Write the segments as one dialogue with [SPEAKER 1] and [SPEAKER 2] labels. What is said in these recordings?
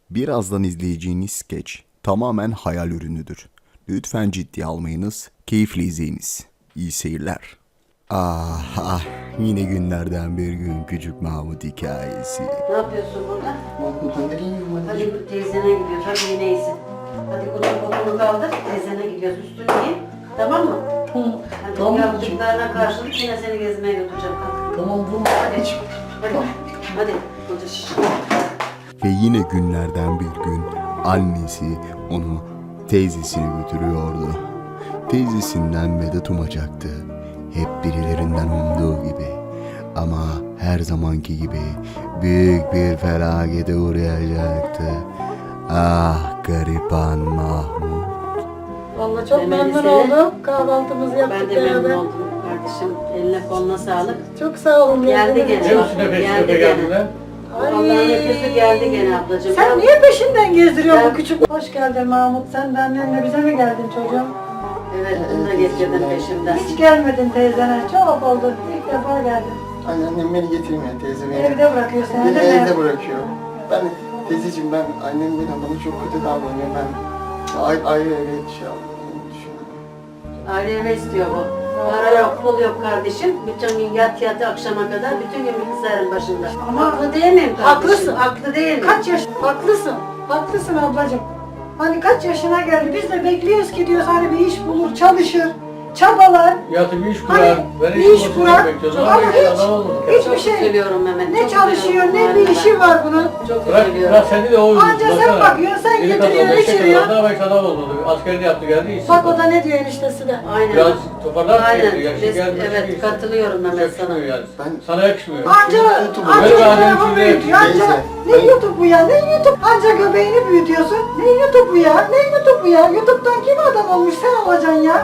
[SPEAKER 1] Birazdan izleyeceğiniz skeç tamamen hayal ürünüdür. Lütfen ciddiye almayınız, keyifli izleyiniz. İyi seyirler. Yine günlerden bir gün küçük Mahmut hikayesi.
[SPEAKER 2] Ne yapıyorsun burada?
[SPEAKER 3] Mahmut'un nereye gidiyorsun
[SPEAKER 2] Hadi
[SPEAKER 3] anneciğim?
[SPEAKER 2] bu teyzene gidiyoruz. Hadi yine iyisin. Hadi kolunu kaldır. Teyzene gidiyoruz. Üstünü giy. Tamam mı? Hadi
[SPEAKER 3] Tamam.
[SPEAKER 2] yaptıklarına karşılık yine seni gezmeye götüreceğim. Kalk.
[SPEAKER 3] Tamam dur anneciğim.
[SPEAKER 2] Hadi. Hadi. Koca şiş.
[SPEAKER 1] Ve yine günlerden bir gün annesi onu teyzesine götürüyordu. Teyzesinden medet umacaktı. Hep birilerinden umduğu gibi. Ama her zamanki gibi büyük bir felakete uğrayacaktı. Ah gariban Mahmut.
[SPEAKER 4] Vallahi çok
[SPEAKER 2] Memeli
[SPEAKER 4] memnun
[SPEAKER 2] seni.
[SPEAKER 4] oldum. Kahvaltımızı yaptık
[SPEAKER 2] Ben de memnun
[SPEAKER 4] beraber.
[SPEAKER 2] oldum kardeşim. Eline koluna sağlık.
[SPEAKER 4] Çok sağ olun.
[SPEAKER 2] Geldi
[SPEAKER 4] geldiğiniz
[SPEAKER 2] gene.
[SPEAKER 4] için.
[SPEAKER 2] Bak,
[SPEAKER 5] Hepsine
[SPEAKER 2] geldi
[SPEAKER 5] peşine
[SPEAKER 2] gene.
[SPEAKER 5] geldiler.
[SPEAKER 2] Allah'ın öpüsü geldi gene ablacığım.
[SPEAKER 4] Sen niye peşinden gezdiriyorsun
[SPEAKER 2] Ben-
[SPEAKER 4] bu küçük? Hoş geldin Mahmut. Sen de annenle bize mi geldin çocuğum?
[SPEAKER 2] Evet, bunu da getirdim peşimden.
[SPEAKER 4] Hiç gelmedin teyzene. Çok oldu. İlk defa geldin.
[SPEAKER 3] Annem beni getirmiyor teyze beni.
[SPEAKER 4] Evde bırakıyor seni
[SPEAKER 3] Beni
[SPEAKER 4] değil mi?
[SPEAKER 3] evde bırakıyor. Ben teyzeciğim annem bana çok kötü davranıyor. Ben ayrı eve şey aldığını düşünüyorum.
[SPEAKER 2] Aile eve istiyor bu. Para yok, pul yok kardeşim. Bütün gün yat akşama kadar bütün gün bilgisayarın başında.
[SPEAKER 4] Ama
[SPEAKER 2] haklı değil miyim kardeşim?
[SPEAKER 4] haklısın.
[SPEAKER 2] Haklı değil mi?
[SPEAKER 4] Kaç yaş? Haklısın. Haklısın ablacığım. Hani kaç yaşına geldi? Biz de bekliyoruz ki diyoruz hani bir iş bulur, çalışır, çabalar.
[SPEAKER 5] Yatıp iş kurar.
[SPEAKER 4] Hani
[SPEAKER 5] Ben
[SPEAKER 4] bir
[SPEAKER 5] iş
[SPEAKER 4] iş
[SPEAKER 5] bulmasını
[SPEAKER 4] kurar.
[SPEAKER 5] bekliyoruz.
[SPEAKER 4] Ama
[SPEAKER 5] Ama hiç
[SPEAKER 4] hiç-
[SPEAKER 5] adam olmadı.
[SPEAKER 4] hiç-
[SPEAKER 2] Çok
[SPEAKER 4] bir şey-
[SPEAKER 2] üzülüyorum Mehmet.
[SPEAKER 4] Ne
[SPEAKER 2] çok
[SPEAKER 4] çalışıyor,
[SPEAKER 2] üzülüyorum
[SPEAKER 4] ne
[SPEAKER 2] bu
[SPEAKER 4] bir
[SPEAKER 2] haline
[SPEAKER 4] işi
[SPEAKER 2] bak.
[SPEAKER 4] var bunun.
[SPEAKER 2] Çok
[SPEAKER 5] Bırak
[SPEAKER 2] üzülüyorum.
[SPEAKER 5] seni de o
[SPEAKER 4] Anca sen bakıyorsun, sen getiriyorsun, içiriyorsun.
[SPEAKER 5] Daha belki adam olmadı. Askerini yaptı geldi. işsiz
[SPEAKER 4] Bak o
[SPEAKER 5] kaldı.
[SPEAKER 4] da ne diyor eniştesi de.
[SPEAKER 2] Aynen.
[SPEAKER 5] Biraz toparlar mı?
[SPEAKER 2] Aynen.
[SPEAKER 5] Yaşı
[SPEAKER 2] Biz-
[SPEAKER 5] gelmiş.
[SPEAKER 2] evet, katılıyorum Mehmet
[SPEAKER 5] Yakışmıyor
[SPEAKER 2] sana.
[SPEAKER 5] yani.
[SPEAKER 3] Ben-
[SPEAKER 5] Sana yakışmıyor.
[SPEAKER 4] Anca
[SPEAKER 3] Böyle
[SPEAKER 5] bir adamın
[SPEAKER 4] telefon
[SPEAKER 5] içinde
[SPEAKER 4] büyütüyor. Anca
[SPEAKER 3] teyze.
[SPEAKER 4] ne YouTube bu ya? Ne YouTube? Anca göbeğini büyütüyorsun. Ne YouTube bu ya? Ne YouTube bu ya? YouTube'dan kim adam olmuş? Sen olacaksın ya.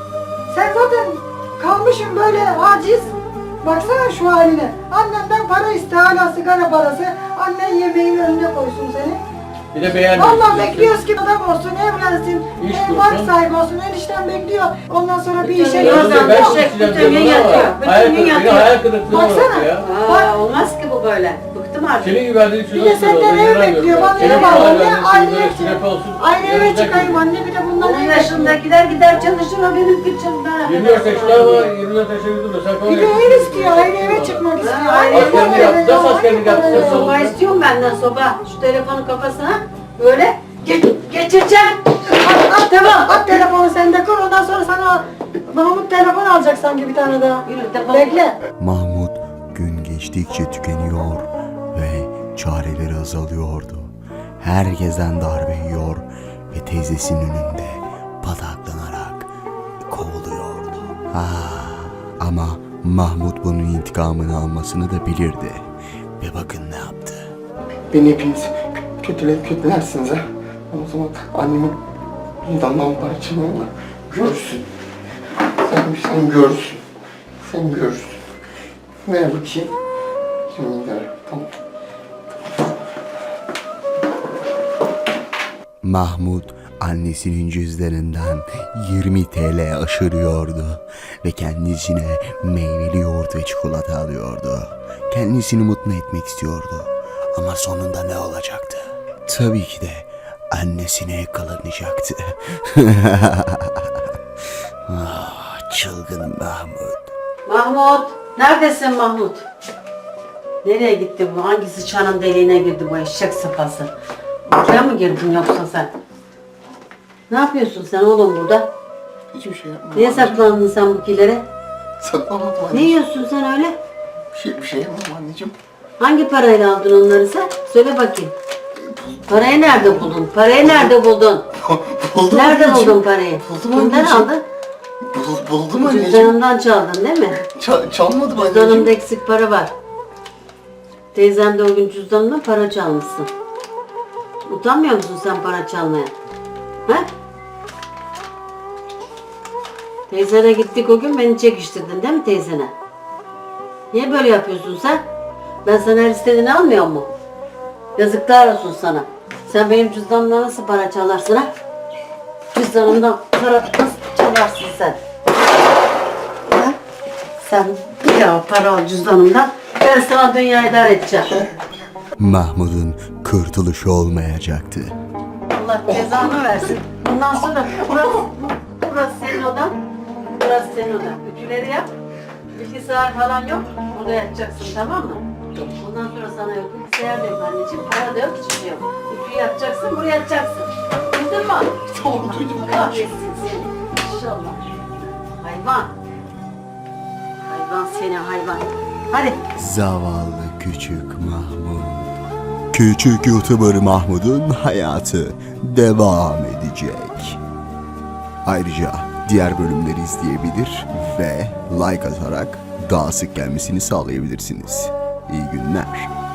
[SPEAKER 4] Sen zaten kalmışsın böyle aciz. Baksana şu haline. Annenden para iste, hala sigara parası. Annen yemeğin önüne koysun seni.
[SPEAKER 5] Bir de beğenmiyor.
[SPEAKER 4] Vallahi bekliyoruz ki adam olsun, evlensin,
[SPEAKER 5] İş
[SPEAKER 4] bark
[SPEAKER 5] bulsun.
[SPEAKER 4] sahibi olsun. Enişten bekliyor. Ondan sonra bir işe
[SPEAKER 2] Bütün
[SPEAKER 5] Ben
[SPEAKER 2] gün
[SPEAKER 4] girsin.
[SPEAKER 2] ben
[SPEAKER 5] çok
[SPEAKER 2] şey,
[SPEAKER 5] sıcak
[SPEAKER 2] bütün gün
[SPEAKER 5] canım ama
[SPEAKER 2] yatıyor. Bütün
[SPEAKER 5] hayal
[SPEAKER 2] gün
[SPEAKER 5] kırıklığı-
[SPEAKER 2] yatıyor.
[SPEAKER 5] Hayal kırıklığına
[SPEAKER 4] Baksana.
[SPEAKER 5] uğradı ya.
[SPEAKER 2] Aa, olmaz ki bu böyle. Bıktım artık.
[SPEAKER 5] Senin gibi verdiğin için
[SPEAKER 4] Bir de senden ev bekliyor. Bana
[SPEAKER 2] Senin
[SPEAKER 4] ev
[SPEAKER 2] gibi
[SPEAKER 4] al.
[SPEAKER 5] verdiğin
[SPEAKER 4] Anne
[SPEAKER 5] için
[SPEAKER 4] ayrı
[SPEAKER 5] böyle
[SPEAKER 4] ev
[SPEAKER 5] sünepe olsun.
[SPEAKER 4] Ayrı eve
[SPEAKER 5] yanımızdaki-
[SPEAKER 4] çıkayım anne, bir de bundan
[SPEAKER 2] Onun
[SPEAKER 4] ev
[SPEAKER 2] yaşındakiler gider çalışır, o benim kıçımda.
[SPEAKER 5] 24 yaşında ama 24 yaşında yürüdüm. Sen
[SPEAKER 4] Bir de ev istiyor, ayrı eve çıkmak istiyor.
[SPEAKER 2] ayrı
[SPEAKER 4] Ayrı
[SPEAKER 2] eve
[SPEAKER 4] eve
[SPEAKER 5] yaptı.
[SPEAKER 4] eve,
[SPEAKER 5] Nasıl
[SPEAKER 4] ayrı
[SPEAKER 5] askerlik
[SPEAKER 4] eve
[SPEAKER 5] yaptı?
[SPEAKER 4] eve.
[SPEAKER 5] Nasıl?
[SPEAKER 2] Soba istiyorum benden soba. Şu telefonu kafasına böyle geçireceğim.
[SPEAKER 4] Tamam, at telefonu sen de kur, ondan sonra sana Mahmut telefon alacak sanki bir tane daha.
[SPEAKER 2] Yürü telefon.
[SPEAKER 4] Bekle.
[SPEAKER 1] Mahmut gün geçtikçe tükeniyor ve çareleri azalıyordu. Herkesten darbe yiyor ve teyzesinin önünde pataklanarak kovuluyordu. Ama Mahmut bunun intikamını almasını da bilirdi. Ve bakın ne yaptı.
[SPEAKER 3] Beni hepiniz kötülersiniz ha. O zaman annemin bundan parçalarını görsün. Sen görsün. Sen görsün. Ver bakayım. Şimdi ver. Tamam.
[SPEAKER 1] Mahmut annesinin cüzdanından 20 TL aşırıyordu ve kendisine meyveli yoğurt ve çikolata alıyordu. Kendisini mutlu etmek istiyordu ama sonunda ne olacaktı? Tabii ki de annesine yakalanacaktı. Çılgın Mahmut.
[SPEAKER 2] Mahmut, neredesin Mahmut? Nereye gitti bu? Hangi sıçanın deliğine girdi bu eşek sıpası? Buraya mı girdin yoksa sen? Ne yapıyorsun sen oğlum burada?
[SPEAKER 3] Hiçbir şey yapmadım.
[SPEAKER 2] Niye saklandın sen bu kilere?
[SPEAKER 3] Saklamadım
[SPEAKER 2] Ne
[SPEAKER 3] anneciğim.
[SPEAKER 2] yiyorsun sen öyle?
[SPEAKER 3] Bir şey yapmadım anneciğim.
[SPEAKER 2] Hangi parayla aldın onları sen? Söyle bakayım. Parayı nerede buldun? Parayı nerede buldun?
[SPEAKER 3] Buldum
[SPEAKER 2] Nerede
[SPEAKER 3] anneciğim.
[SPEAKER 2] buldun parayı?
[SPEAKER 3] Buldum
[SPEAKER 2] Kimden
[SPEAKER 3] anneciğim.
[SPEAKER 2] aldın?
[SPEAKER 3] Buldum anneciğim.
[SPEAKER 2] Cüzdanımdan çaldın değil mi?
[SPEAKER 3] Çalmadım
[SPEAKER 2] Cüzdanımda
[SPEAKER 3] anneciğim.
[SPEAKER 2] eksik para var. Teyzem de o gün cüzdanımdan para çalmışsın. Utanmıyor musun sen para çalmaya? Ha? Teyzene gittik o gün, beni çekiştirdin değil mi teyzene? Niye böyle yapıyorsun sen? Ben sana her istediğini almıyor mu? Yazıklar olsun sana. Sen benim cüzdanımdan nasıl para çalarsın ha? Cüzdanımdan para nasıl çalarsın sen? Ha? Sen ya para al cüzdanımdan. Ben sana dünya idare edeceğim.
[SPEAKER 1] Mahmut'un kurtuluş olmayacaktı.
[SPEAKER 2] Allah cezanı versin. Bundan sonra burası senin odan. Burası senin odan. Ütüleri yap. Bilgisayar falan yok. Burada yatacaksın, tamam mı? Bundan sonra sana yok. Bilgisayar da yok anneciğim. Para da yok. Hiçbir şey yok. Ütüyü yapacaksın. Buraya yatacaksın. Duydun mu?
[SPEAKER 3] Tamam, duydum.
[SPEAKER 2] Kahretsin seni. İnşallah. Hayvan. Hayvan seni hayvan. Hadi.
[SPEAKER 1] Zavallı küçük Mahmut. Küçük YouTuber Mahmut'un hayatı devam edecek. Ayrıca diğer bölümleri izleyebilir ve like atarak daha sık gelmesini sağlayabilirsiniz. İyi günler.